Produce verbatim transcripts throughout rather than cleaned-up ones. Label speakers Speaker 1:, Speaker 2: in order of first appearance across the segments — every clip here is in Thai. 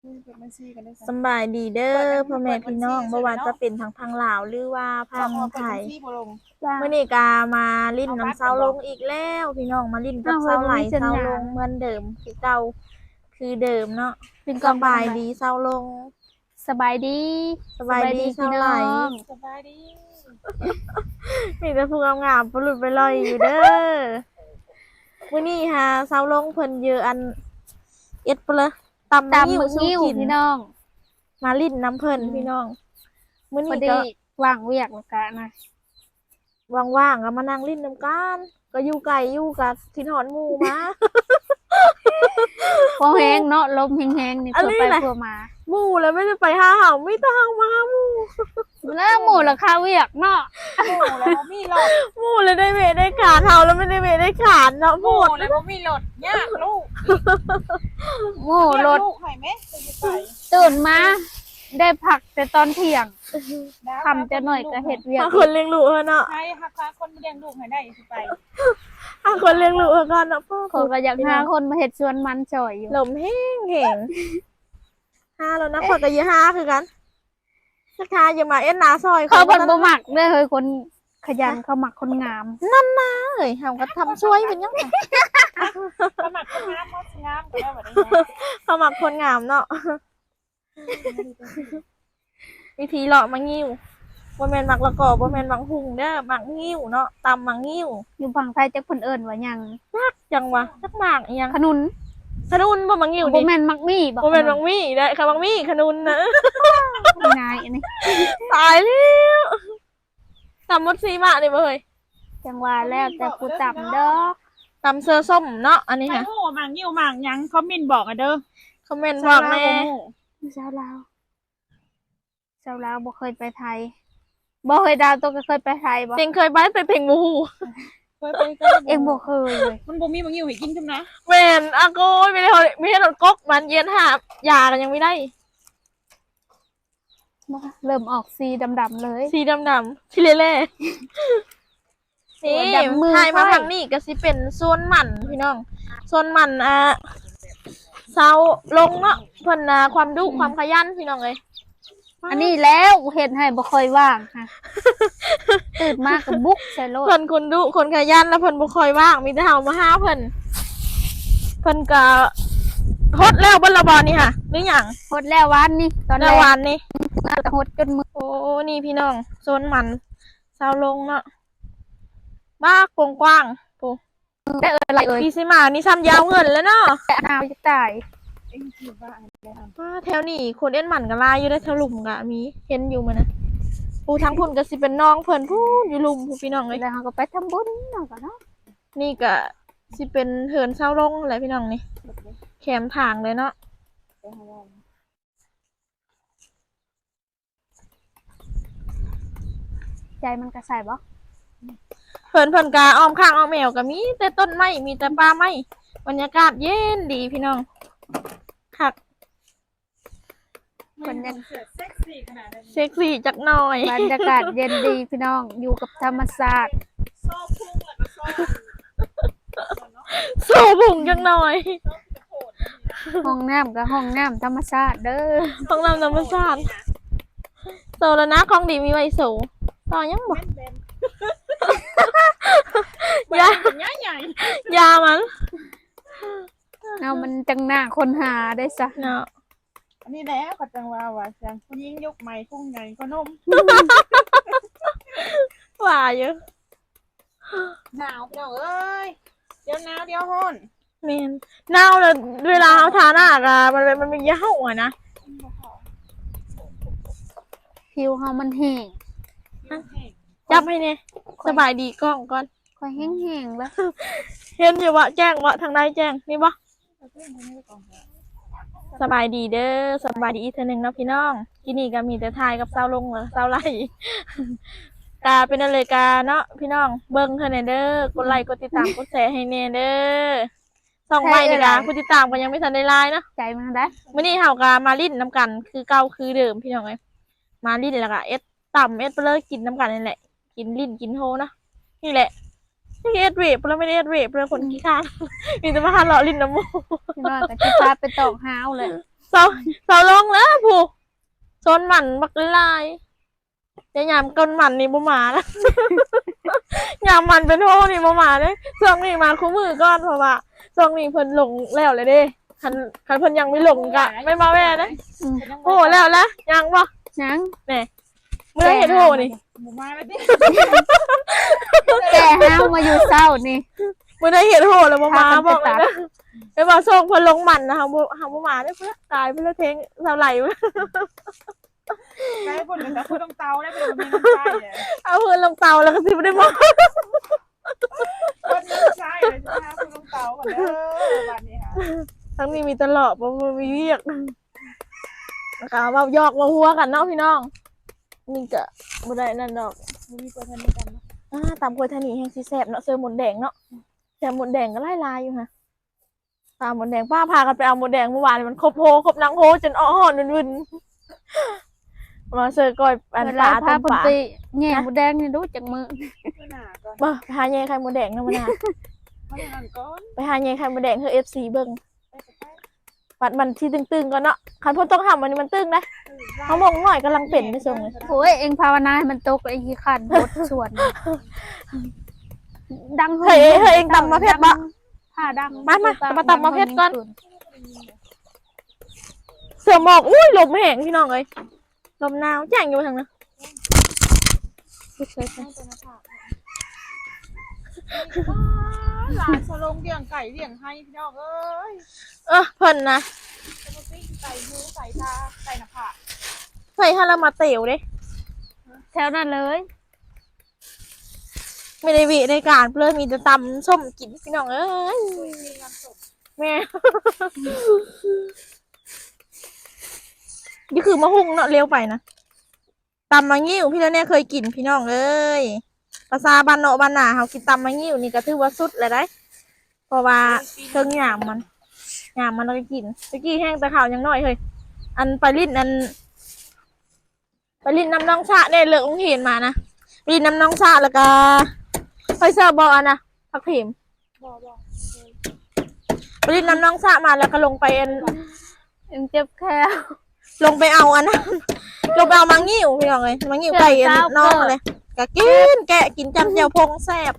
Speaker 1: สำบายดีเด้อพ่อแม่พี่น้องบ่ว่าจะเป็นทางพังลาวหรือว่าพังไทยมื้อนี้ก็มาลิ้นน้ำเซาลงอีกแล้วพี่น้องมาลิ้นกับเซาไหลเซาลงเหมือนเดิมคือเก่าคือเดิมเนาะสบายดีเซาลง
Speaker 2: สบายดี
Speaker 1: สบายดีเซาไหล
Speaker 2: สบายดี
Speaker 1: มีแต่ผู้งามๆปลุดไปลอยอยู่เด้อมื้อนี้ฮะเซาลงเพิ่นเยอะอันเอ็ดเปลอตำ
Speaker 2: ตำ
Speaker 1: นิ้ว
Speaker 2: มึง
Speaker 1: สู้
Speaker 2: นิ้ว
Speaker 1: กิน
Speaker 2: พี่น้อง
Speaker 1: มาลิ้นน้ำเพิ่นพี่น้องมื้อ
Speaker 2: พอ
Speaker 1: นี้
Speaker 2: ดี
Speaker 1: ก็
Speaker 2: ว่างเวียกแล้วกันนะ
Speaker 1: ว่างๆก็มานั่งลิ้นน้ำกันก็อยู่ไกลอยู่กับทินหอนหมู่มา
Speaker 2: พอแห้งเนาะลมแห้งๆนี่
Speaker 1: อัน
Speaker 2: เพื่อ
Speaker 1: นี้
Speaker 2: ไป
Speaker 1: แหละ
Speaker 2: เพื่อมา
Speaker 1: หมู่แล้วไม่ได้ไปหาเห่าไม่ต้องมาหาหมู่
Speaker 2: แล้วหมู่ราคาเวียกเนาะ
Speaker 3: โอ้แล้วบ่มีหลด
Speaker 1: หมู่เลยได้เวได้ขาดเห่าแล้วไม่ได้เวได้ขาดเนาะห
Speaker 3: โอ้
Speaker 1: มด
Speaker 3: แล้วบ่มีหลดยากลูก
Speaker 2: หมู่รถ
Speaker 3: ลูกให้ไหมจะไป
Speaker 2: ตื่นมาได้ผักแต่ตอนเที่ยงทำจะหน่อยก็เห็ดเวียก
Speaker 1: หาคนเลี้ยงลูกเนาะ
Speaker 3: ใช่ฮักพาคนเลี้ยงลูกให้ได้สิไป
Speaker 1: หาคนเลี้ยงลูกก่อนเนาะพ่อ
Speaker 2: เขาก็อยากหาคนมาเห็ดชวนมันจ่อยอยู่
Speaker 1: ลมแห้งแห้งห้าแล้วนะขอกับยี่ห้าคือกันสักทาอย่ามาเอ็นนาซอย
Speaker 2: เขาเป็นบ่หมักเด้อเฮ้ยคนขยันเขาหมักคนงาม
Speaker 1: นั่นนะเอ้ยเฮาก็ทำช่วยเป็นยังไง
Speaker 3: สมัครคนงามมดงามก็ได้แบบนี้
Speaker 1: เขามักคนงามเนาะ วิธีเลาะมังงิ้วบ่แม่นมักละกอบ่แม่นมักหุงเด้อมักงิ้วเนาะตำมังงิ้ว
Speaker 2: อยู่ฝั่งไทยจักเพิ่นเอิ้นว่าหยัง
Speaker 1: จังวะจักหมากอีหยัง
Speaker 2: ขนุน
Speaker 1: ขนุนบ่มังงิ้ว
Speaker 2: บ่
Speaker 1: นี่
Speaker 2: แม่นมักมี่บ่
Speaker 1: บ่แม่นมังมี่ได้ค่ะมังมี่ขนุนนะ
Speaker 2: นายอันนี้
Speaker 1: ตายแล้วตำมดซีมากนี่บ่เฮ้ย
Speaker 2: จังว่าแล้วแต่ผู้ต่ำเด้อ
Speaker 1: ตำเสื้อส้มเนาะอันนี้
Speaker 3: ไป
Speaker 1: ค่ะ
Speaker 3: โอ้หมางยิ้วหมางยังคอมเมนต์บอกอ่ะเด้อ
Speaker 1: คอมเมนต์บอกแน่
Speaker 2: ชาวลาวชาวลาวบ่เคยไปไทยบ่เคยดาวตัวก็เคยไปไทยบ่
Speaker 1: เต็งเคยไปไปเพ่งหมูหู
Speaker 3: ไปไปก็
Speaker 2: เองบ่เคยเลย
Speaker 3: มันบ่มีหมางยิ้วให้กินใช่ไหม
Speaker 1: แม่นอาโกยไม่ได้เอาไม่ได้รถก๊กมันเย็นหาบยากันยังไม่ได้
Speaker 2: บ่เริ่มออกสีดำๆเลย
Speaker 1: สีดำๆที่เล่ๆนี่
Speaker 2: ดำมือ
Speaker 1: ถ่ายมา
Speaker 2: ค่อย
Speaker 1: ทางนี้ก็สิเป็นโซนหมันพี่น้องโซนหมันอ่ะเซาลงเนาะเพิ่นน่ะความดุความขยันพี่น้องเอ้ย
Speaker 2: อันนี้แล้วเห็นให้บ่ค่อยว่างค่ะตื่นมาก็บุกใส่รถ
Speaker 1: เพิ่นคนดุคนขยันแล้วเพิ่นบ่ค่อยว่างมีแต่เฮามาหาเพิ่นเพิ่นก็ฮดแล้วบ่ละบ่นี่ค่ะหรือหยัง
Speaker 2: หดแล้ววันนี้ตอนแร
Speaker 1: แล้ว
Speaker 2: ก
Speaker 1: วานนี่
Speaker 2: ก็หดจนมือ
Speaker 1: โอ้นี่พี่น้องโซนหมันเซาลงเนาะบ้ากกว้างๆโอ้
Speaker 2: ได้เอ่ยอะไรเอ่ย
Speaker 1: พี่สิมานี่ซ้ำยาวเงินแล้วเนาะ
Speaker 2: แต่นาวจะตาย
Speaker 3: เอ็งคิดว่าอันนี้
Speaker 1: ว่าแถวนี้คนเอ็นหมันก็ลายอยู่ได้แถวหลุมกะมีเห็นอยู่มั้ยนะปูทั้งพุ่นก็สิเป็นน้องเพิ่นพูนอยู่หลุมผู้พี่น้องเลย
Speaker 2: แล้วเราก็ไปทำบุญเนาะก็เนาะ
Speaker 1: นี่ก็สิเป็นเหินเศร้าลงแหละพี่น้องนี่แขมทางเลยเนาะ
Speaker 2: ใจมันกระใส่บ่
Speaker 1: เพิ่นเพิ่นกะอ้อมข้างอ้อมแมวก็มีแต่ต้นไม้มีแต่ป่าไม้บรรยากาศเย็นดีพี่น้องคัก
Speaker 2: มันยัง
Speaker 3: เซ็กซี่ขนาดนั้น
Speaker 1: เซ็กซี่จักหน่อย
Speaker 2: บรรยากาศเย็นดีพี่น้องอยู่กับธรรมชาติ
Speaker 3: โซ่พุ่งแล้วก็โซ่
Speaker 1: สู้บุ่งจักหน่อย
Speaker 2: ห้องน้ำกับห้องน้ำธรรมชาติเด้อ
Speaker 1: ต้องนำธรรมชาติโซแล้วนะของดีมีไว้สูต่อยังบ่
Speaker 3: ยาใหญ่ใหญ่
Speaker 1: ยามัน
Speaker 2: เอามันจังหน้าคนหาได้ซะ
Speaker 1: เนาะ
Speaker 3: อันนี้แหละปัจจังว่าว่าจังผู้หญิงยกไม้พุ่งใหญ่ก็นม
Speaker 1: ว่าอยู่
Speaker 3: หนาวพี่น้องเอ้ยเดี๋ยวหนาวเดี๋ยวร้อน
Speaker 1: แม่นหนาวเลยเวลาเอาทาหน้าอะมันเป็นมันมีเหย้าอ่ะนะ
Speaker 2: ผิวเฮามันแห้ง
Speaker 1: จับให้เนี่ยสบายดีกล้องก่อน
Speaker 2: ค่อยแห้งๆแล้ว
Speaker 1: เห็นอยู่วะแจ้งวะทางใดแจ้งนี่บ่สบายดีเด้อสบายดีอีกเทื่อหนึงเนาะพี่น้องที่นี่ก็มีแต่ทายกับเซาลงเหรอเซาไล่ กาเป็นอะไรกาเนาะพี่น้องเบิ่งเท่านั้นเด้อกดไลค์กดติดตามกดแชร์ให้แน่เด้อส่องใหม่นี่กะผู้ติดตามก็ยังไม่ทันได้ไลน์เนาะ
Speaker 2: ใจมันได้
Speaker 1: มื้อนี้เฮาก็มาลิ้นน้ำกันคือเก่าคือเดิมพี่น้องเอ้ยมาลิ้นแล้วก็เอ็ดต่ำเอ็ดไปเลยกินน้ำกันนี่แหละกินลิ้นกินโฮเนาะนี่แหละนี่เอ็ดเวฟแล้วไม่ได้เอ็ดเวฟเลยคนขี้ข้าน มีแต่มาหาเลาะลิ้นน้ำมูก
Speaker 2: พี่น้องก็สิพาไปตอกหาวเลย
Speaker 1: โซเสาเสาลงแล้วผู้ชนหมันบักลายจะยามก้นหมันนี่บ่มานะ ยามมันเป็นโทนี่บ่มาเด้ช่วงนี้มาคู่มือก่อนเพราะว่าช่วงนี้เพิ่นลงแล้วเลยเด้คันคันเพิ่นยังไม่ลงกะไม่มาแว่นะโอ้แล้วละยังบ่
Speaker 2: ยัง
Speaker 1: แหน่เมื่อเห็นโทนี่
Speaker 3: หมูมาแล้วดิ
Speaker 2: แก่ห้าวมาอยู่เศร้านี่
Speaker 1: เมื่อได้เห็นโทแล้วบ่มา
Speaker 2: พากันไป
Speaker 1: บอกเลย
Speaker 2: ตัด
Speaker 1: นะไปมาส่งเพิ่นลงหมันนะเฮาบ่เฮาบ่มาเด้อเพิ่นตายไปแล้วเทงเท่าไหร่วะ
Speaker 3: ได้ผลแต่คือต้องเตาได้เป็นมีน้ำใจอ่ะ
Speaker 1: เอาเพิ่นลงเตาแล้วก็สิบ่ได้มา
Speaker 3: คนน้ำใจเลยนะคะคุณต้องเตาก่อนเด้อวันนี้ค่ะ
Speaker 1: ทั้งนี้มีตลอดบ่บ่มีเวียกนะคะเว้ายอกเว้าหัวกันเนาะพี่น้องนี่ก็บ่ได้นั่นดอก
Speaker 3: มีตัวทันนี้กันเนาะ
Speaker 1: อ่าตามโคยทานีแห่งสีแสบเนาะเสื้อหมดแดงเนาะแซ่บหมดแดงก็ไล่ลายอยู่ฮะตามหมดแดงป้าพากันไปเอาหมดแดงเมื่อวานนี่มันครบโฮครบนางโฮจนอ้อหอนวุ่นๆมาเสื้อก้อยอัน
Speaker 2: เว
Speaker 1: ป
Speaker 2: ลา
Speaker 1: ลา
Speaker 2: พา
Speaker 1: ต้ม
Speaker 2: เพิ่น
Speaker 1: ปลา
Speaker 2: ไปแง่หมูแดงนี่รู้จักมือ
Speaker 3: หน้าก่อน
Speaker 1: บ่ไปหาเย่ไข่หมดแดงเนาะมันน่ะ
Speaker 3: มาหน้าก่อน
Speaker 1: ไปหาเย่ไข่หมดแดงเฮอ เอฟ ซี เบิ่ง
Speaker 3: ไปไป
Speaker 1: ปัดมันที่ตึงๆก่อนเนาะคันเพิ่นต้องทำมันนี่มันตึงนะเฮามองหน่อยกำลังเป็นไปส่งเลย
Speaker 2: โอ้ยเองภาวนาให้มันตกไอ้ขี้ขันบดส่วนดัง
Speaker 1: เฮ้ยเฮ้ยเองตำมาเพชรบ่
Speaker 2: ผ้าดัง
Speaker 1: มามามาตำมาเพชรก่อน เสือหมอกอุ้ยลมแห้งพี่น้องเอ้ยลมหนาวแจ้งอยู่ทางนั้น
Speaker 3: หลานสลงเลี้ยงไก่เลี้ยงให้พี่น้องเอ้ย
Speaker 1: เออเพิ่นนะ
Speaker 3: จะมาปิ้งไก่มูไก่ตาไก่หน้าผาก
Speaker 1: ใส่ฮารามาเตลเด้
Speaker 2: แถวนั้นเลย
Speaker 1: ไม่ได้วิในการเพื่อมีแต่ตำส้มกินพี่น้องเอ้ย
Speaker 3: มีงานศพ
Speaker 1: แม่ นี่คือมะฮุ่งเนาะเร็วไปนะตำมะงิ้วพี่แล้วเนี่ยเคยกินพี่น้องเอ้ยภาษาบ้านเนาะบ้านนาเขากินตำมะงิ้วนี่ก็ถือว่าสุดเลยได้เพราะว่าเครื่องหยามมันหยามมันเราก็กินตะกี้แห้งแต่ข่าวยังน้อยเฮ้ยอันไปลิ้นอันไปลิ้นน้ำน้องชาเนี่ยเลิกองเห็นมานะไปลิ้นน้ำน้องชาแล้วก็ไปเซอร์บอลนะพักพิม
Speaker 3: บ่บ่
Speaker 1: ไปลิ้นน้ำน้องชามาแล้วก็ลงไปอัน
Speaker 2: เองเจ็บแค่
Speaker 1: ลงไปเอาอันนั้น ลงไปเอามังงิ้วพี่น้องเลยมังงิ้วไก่อันน้องเลยก็กินแกะกินจำเจียวพงแซ่บ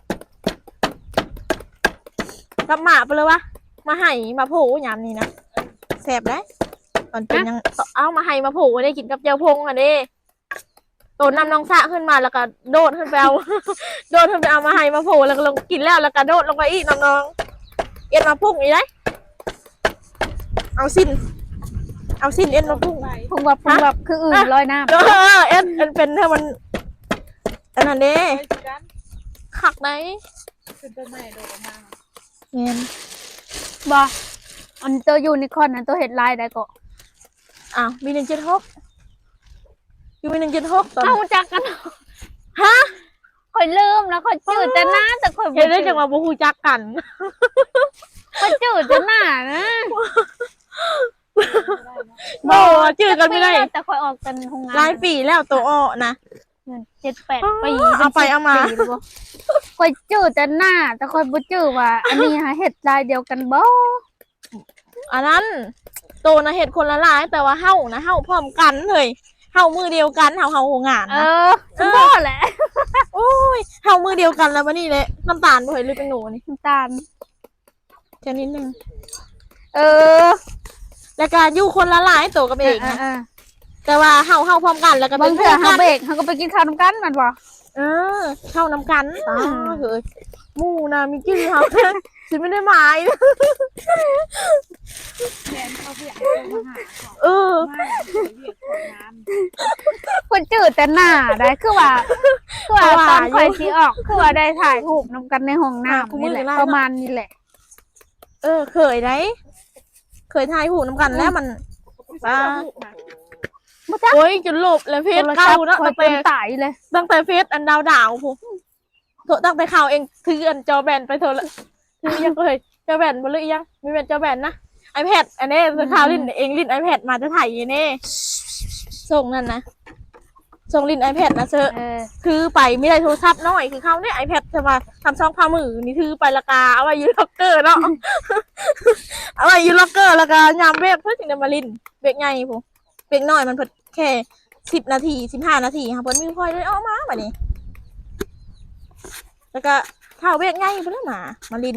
Speaker 1: กับหมาไปเลยวะมาไห่มาผูยามนี้นะแซ่บได้ตอนเป็นยังเอามาไห่มาผูได้กินกับเจียวพงอ่ะเด้ตัวนำน้องสะขึ้นมาแล้วก็โดดขึ้นไปเอา โดดขึ้นไปเอามาไห่มาผูแล้วก็ลงกินแล้วแล้วก็โดดลงไปอีกน้องๆเอ็นมาพุ่งอีกได้เอาสิ้นเอาสิ้นเอ็นมาพุ่ง
Speaker 3: ไก่
Speaker 2: พุงแบบพุงแบบคืออื่นลอยน้
Speaker 1: เออเอ็นเอ็นเป็นถ้ามันอันนั้นเด้
Speaker 3: ไก่สีด
Speaker 1: ขักไหน
Speaker 3: ำคือต้นไม้โดดออกมา
Speaker 1: เงี้ย
Speaker 2: ำบ่อันตัวยูนิคอร์นนั้นตัวเห็ดลายได้ก็
Speaker 1: อ้าวมีหนึ่งเจ็ดหกอยู่มีหนึ่งเจ็ดหกตอน
Speaker 2: เอาจากกัน
Speaker 1: ฮะ
Speaker 2: ค่อยลืมแล้วค่อยจืดแต่หน้าแต่ค่อยบ่
Speaker 1: เห็นได้
Speaker 2: จื
Speaker 1: จังหวะบูฮูจักกัน
Speaker 2: ค่อยจืดแต่หน้านะ
Speaker 1: โบจืดกันไม่ได้
Speaker 2: แต่ค่อยออกกันโรงงาน
Speaker 1: หลายปีแล้วตัวอ้อนะ
Speaker 2: เงินเจ็ดแปด
Speaker 1: อ๋อ
Speaker 2: ปี
Speaker 1: เอาไปเอามา
Speaker 2: สิบปีแล้วบ่ค่อยจืดแต่หน้า แต่ค่อยบ่จืดว่า อันนี้หาเห็ดลายเดียวกันบ่
Speaker 1: อันนั้นตัวนะเห็ดคนละลายแต่ว่าเห่านะเห่าพร้อมกันเลยเห่ามือเดียวกันเห่าเห่าโหงาน
Speaker 2: เอ
Speaker 1: นะ
Speaker 2: อฉันบ่แหละ
Speaker 1: โอ้ยเห่ามือเดียวกันแล้ววันนี้เลยน้ำตาลบ่เห็นหรือเป็นหนูนี่
Speaker 2: น้ำตาล
Speaker 1: แค่นิดนึง
Speaker 2: เออ
Speaker 1: แล้วก็อยู่คนละลายตัวกับเองนะ
Speaker 2: เออ
Speaker 1: แต่ว่าเห่าเห่าพร้อมกันแล้วก็
Speaker 2: ๆ
Speaker 1: เป็
Speaker 2: บาง
Speaker 1: น
Speaker 2: เทื่อ
Speaker 1: หมู่
Speaker 2: เฮา
Speaker 1: กัน
Speaker 2: เบรกเฮาก็ไปกินข้าวนํกันแมันบ่
Speaker 1: เออเข้าน้ำกันตาเฮ้ยหมู่นะมีกี่ครับ ฉันไม่ได้หมาย
Speaker 3: แทนเขาเรียกเขามาหาเขา
Speaker 1: เออ
Speaker 3: ไม่เขาเรียกของน้ำ
Speaker 2: คนจืดแต่หน้าได้คือว่าคือว่าตอนข่อยสิออกคือว่าได้ถ่ายรูปนํกันในห้องน้ำนี่แหละประมาณนี้แหละ
Speaker 1: เออเคยได้เคยทายหูน้ำกันแล้วมันอ่าโอ้ยจนหลบแล้วเฟซเก่าเนาะ
Speaker 2: ข่อ
Speaker 1: ตั้
Speaker 2: ย
Speaker 1: ง
Speaker 2: เป็
Speaker 1: แต่
Speaker 2: นตายเลย
Speaker 1: ตั้งแต่เฟซอันดาวดาวผมโถตั้งแต่ข่าวเองถืออันจอแบนไปเถอะละถือยังเลยจอแบนบ่เลยยังมีแบนจอแบนนะไอแพดอันนี้ข่าวลิ้นเองลิ้นไอแพดมาจะถ่ายอยังนี่ส่งนั่นนะส่งลิน iPad นะเซอ
Speaker 2: เออ
Speaker 1: ถือไปไม่ได้โทรศัพท์น้อยคือเขาเนี่ย iPad จะมาทำช่องพามือนี่ถือไปละกาเอาไว้อยูล็อกเกอร์เนาะ เอาไว้อยูล็อกเกอร์ละกายามเบรกเพื่อถึงจะมาลินเบรกใหญ่ผมเบรกน้อยมันเพิ่นแค่สิบนาทีสิบห้านาทีค่ะเพิ่นมีพอยเลยออกมาแบบนี้แล้วก็เข้าเบรกใหญ่เพิ่นมามาลิน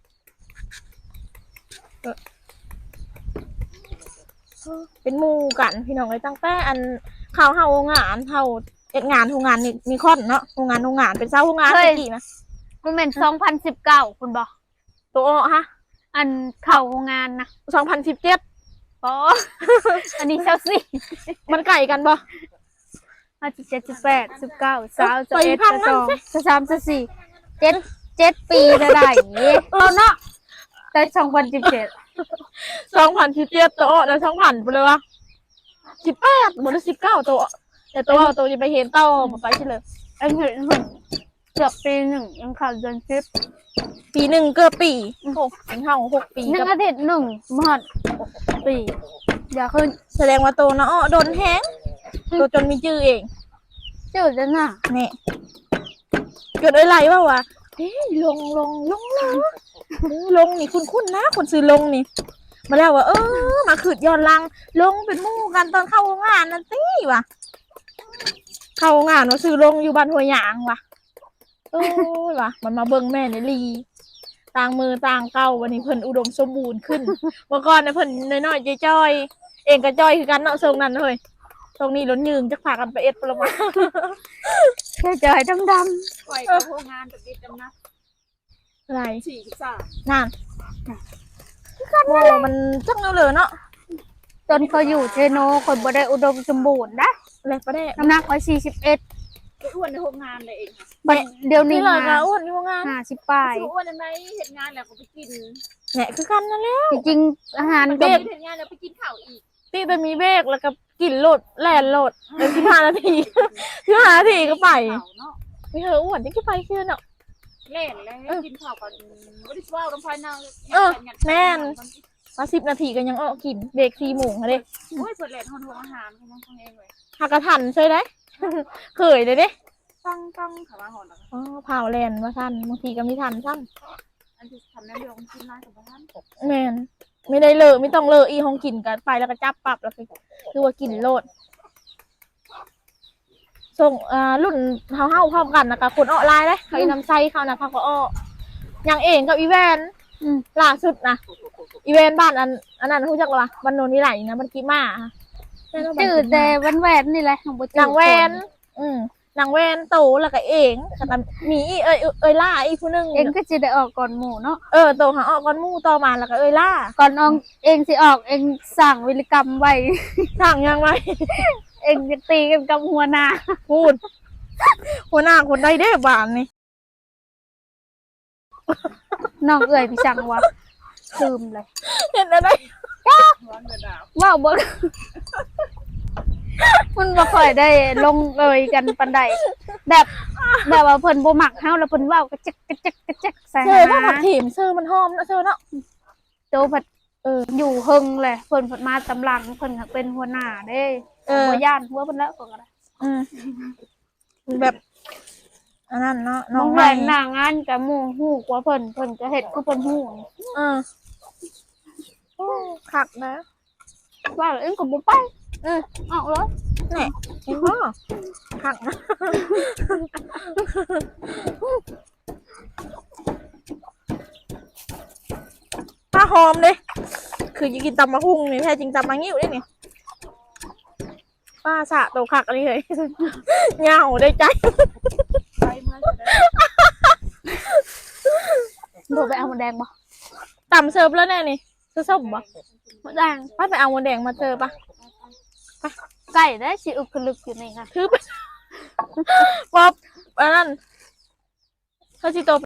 Speaker 1: เป็นหมู่กันพี่น้องเลยตั้งแต่อันเข้าเฮาโรงงานเฮาเอ็ดงานโรงงานนี่มีคอนเนาะโรงงานโรงงานเป็นเจ้าโรงงาน
Speaker 2: เฮ้ย
Speaker 1: ตะกี้นะ
Speaker 2: มันเป็นสองพันสิบเก้าคุณบอก
Speaker 1: ตัวอ้อฮะ
Speaker 2: อันเข้าโรงงานนะ
Speaker 1: สองพันสิบเจ็ด
Speaker 2: อ๋อ อันนี้เช้าสี่
Speaker 1: มันไก่กันบ่
Speaker 2: ห้าสิบเจ็ดสิบแปดสิบเก้าสาว
Speaker 1: ไป
Speaker 2: สิบเอ็ด
Speaker 1: พัง
Speaker 2: สิบ
Speaker 1: นั่
Speaker 2: ส
Speaker 1: น
Speaker 2: อง
Speaker 1: สิ
Speaker 2: สิบสามสิบสี่เจ็ดเจ็ดปีจะได้เราเนาะแต่สองพันสิบเจ็ด
Speaker 1: สองพันสิบเจ็ดตัวอ้อแล้วสองพันไปเลยวะสิบแปดหมดแล้วสิบเก้าตัวแต่ตัวอ้อตัวจะไปเห็นเต้ามาไปใช่เลย
Speaker 2: อันเห็นเห็นเกือบปีหนึ่งยังขาดเดือนสิบ
Speaker 1: ปีหนึ่งเกือบปีหกถึงเท่าหกปี
Speaker 2: หนึ่
Speaker 1: กั
Speaker 2: ง
Speaker 1: บ
Speaker 2: อาทิตย์หนึ่งมหอดปีอย่าขึ้น
Speaker 1: แสดงว่าตัวนะอ้อโดนแห้งตัวจนมีชื่อเอง
Speaker 2: จืดแล้วน่ะ
Speaker 1: นี่เกิดอะไรว่าวะเฮ้ยลงลงลงลงลงนี่คุณคุณนะคนซื้อลงนี่ มาแล้วว่าเออมาขืดย้อนลังลงเป็นหมู่กันตอนเข้าโรงงานนั่นสิวะเข้าโรงงานว่าซื้อลงอยู่บ้านหัวหยางวะโอ้ยวะมันมาเบิ่งแม่ในลีต่างมือต่างเก้าวันนี้เพิ่นอุดมสมบูรณ์ขึ้นเมื่อก่อนเนี่ยเพิ่นน้อยๆจ้อยๆเองก็จ้อยคือกันเนาะทรงนั้นเลยตรงนี้ล้นยืงจะพากันไปเอ็ดปลมา
Speaker 2: แค่จอยดำด
Speaker 3: ปล่อยกับโรงงานแบบนี้จำนะ
Speaker 1: อะไร
Speaker 3: สี่สิบสาม
Speaker 1: นั่นโอ้มันจังเหลือเนาะ
Speaker 2: ำจนเขาอยู่เทโนคนบ่ได้อุดมสมบูรณ์นะ
Speaker 1: อะไรประเด้
Speaker 2: น้ำหนักไว้สี่สิบเอ็ด
Speaker 3: ไปอ้วนในโรงงานเลยเอง
Speaker 2: เดี๋ยวนี้
Speaker 1: นี่เลย
Speaker 2: มา
Speaker 1: ก็อ้วนอยู่งาน
Speaker 2: ห้าสิบปลาย
Speaker 3: คืออ้วนในเห็นงานแล้วก็ไปกิน
Speaker 1: แหละคือกันนั่นแหละ
Speaker 2: จริงๆอาหาร
Speaker 3: เบ
Speaker 2: ก็
Speaker 3: รกเห็นงานแล้วไปกินข้าวอีก
Speaker 1: ตีแต่มีเบรกแล้วก็กินโหลดแล่นโหลดเป็นสิบห้านาที สิบห้านาทีก็ไป
Speaker 3: ข้าวเนาะ
Speaker 1: ไม่เธออ้วนที่ก็ไปคือเนาะ
Speaker 3: เล่นแล้วกินข้าวก่อนไม่ได้ว่าน้ำพายนาง
Speaker 1: มาสิบนาทีก็ยังออกกินเบรกสี่โมงเลย
Speaker 3: โอ้ยเปิดเลนห้องโรงอาหารของน้องเองเลย
Speaker 1: หากระทันใช่ไหม เคยเลยเด้
Speaker 3: ตั้งตั้งขามาหอนแล้ว
Speaker 1: อ๋อเผาแลนว่าทันบางทีก็ไม่ทันซ้
Speaker 3: อันที่ทำน้ำเดือดกินร้านกับบ้าน
Speaker 1: ำแมนไม่ได้เลอะไม่ต้องเลอะอีห้องกินกันไปแล้วก็จับปรับแล้วก็คือว่ากินโลดส่งอ่ารุ่นเฮาเฮาพร้อมกันนะคะคนออนไลน์เลยเขาอีน้ำไซเขานะเขาก็อ้ออย่างเองกับอีแวน
Speaker 2: อืม
Speaker 1: ล่าสุดนะอีเวนต์บ้านอันอันนั้นรู้จักหรอวะบ้านโนนนี่ไหลนะมันกีมาค่ะ
Speaker 2: จืดแต่วันแหวนนี่แหละของบ่จืด
Speaker 1: นางแวนอืมนางแวนโตแล้วก็เองแต่มีอีเอ้ยเอ้ยล่าอีกผู้หนึง
Speaker 2: เองก็จะได้ออกก่อนหมู่เนาะ
Speaker 1: เออโตหาออกก้อนหมู่ต่อมาแล้วก็เอ้ยล่า
Speaker 2: ก่อนน้องเองสิออกเองสั่งวิรกรรมไว้
Speaker 1: สั่งยังไง
Speaker 2: เองจะตีกันกับหัวหน้า
Speaker 1: พูดหัวหน้าคนใดได้บ้านนี่
Speaker 2: น้องเอ่ยพี่สั่งว่าลืมเลย
Speaker 1: เห็นอะไร
Speaker 3: ร้อนเดือดดาว
Speaker 2: ว้าวบ่ มันบ่ค่อยได้ลงเอยกันปานใดแบบแบบว่าเพิ่นบ่มักเฮาแล้วเพิ่นเว้ากระจิกกระจิกกระจิกใส่
Speaker 1: เซอร์
Speaker 2: หา
Speaker 1: ว่าผัดถิ่มเซอร์มันหอมนะเซอร์เนาะ
Speaker 2: โตผัด
Speaker 1: เออ
Speaker 2: อยู่เฮิงแหละเพิ่นเพิ่นมาตำหลังเพิ่นก็เป็นหัวหน้าเด้
Speaker 1: เออ
Speaker 2: บ่ย่านหัวเพิ่นแล้วก็ได้
Speaker 1: อืมแบบอันนั้นเนาะน้
Speaker 2: น้
Speaker 1: อ
Speaker 2: อง ง
Speaker 1: ให
Speaker 2: แหว
Speaker 1: ม่
Speaker 2: นหน้างานกับหมู่ฮู้กว่าเพิ่นเพิ่นก็เฮ็ดคือเพิ่นฮู้
Speaker 1: เออโอ้ขักนะ
Speaker 2: ว่าแล้วเอ็งก็บ่ไป
Speaker 1: อืม
Speaker 2: เอาเลย
Speaker 1: นี่เห็นบ่ขักนะป้าหอมเลยคือจะกินตำมะฮุ่งนี่แท้จริงตำมะงิ้วได้นี่ป้าสะโตขักอะไรเลยเหงาได้ใจ
Speaker 3: ไปเมื่อจะได้
Speaker 2: บ่ไปเอาหมดแดงบ่
Speaker 1: ตำเสิร์ฟแล้วแน่นี่ซื้อส้มบ่
Speaker 2: หมดแดง
Speaker 1: ป้าไปเอาหมดแดงมาเจอปะ
Speaker 2: ไก่ได้สิอึกกระลึกอยู่นี่ค่ะ
Speaker 1: คือป๊อบอันนั้นเขาสิโต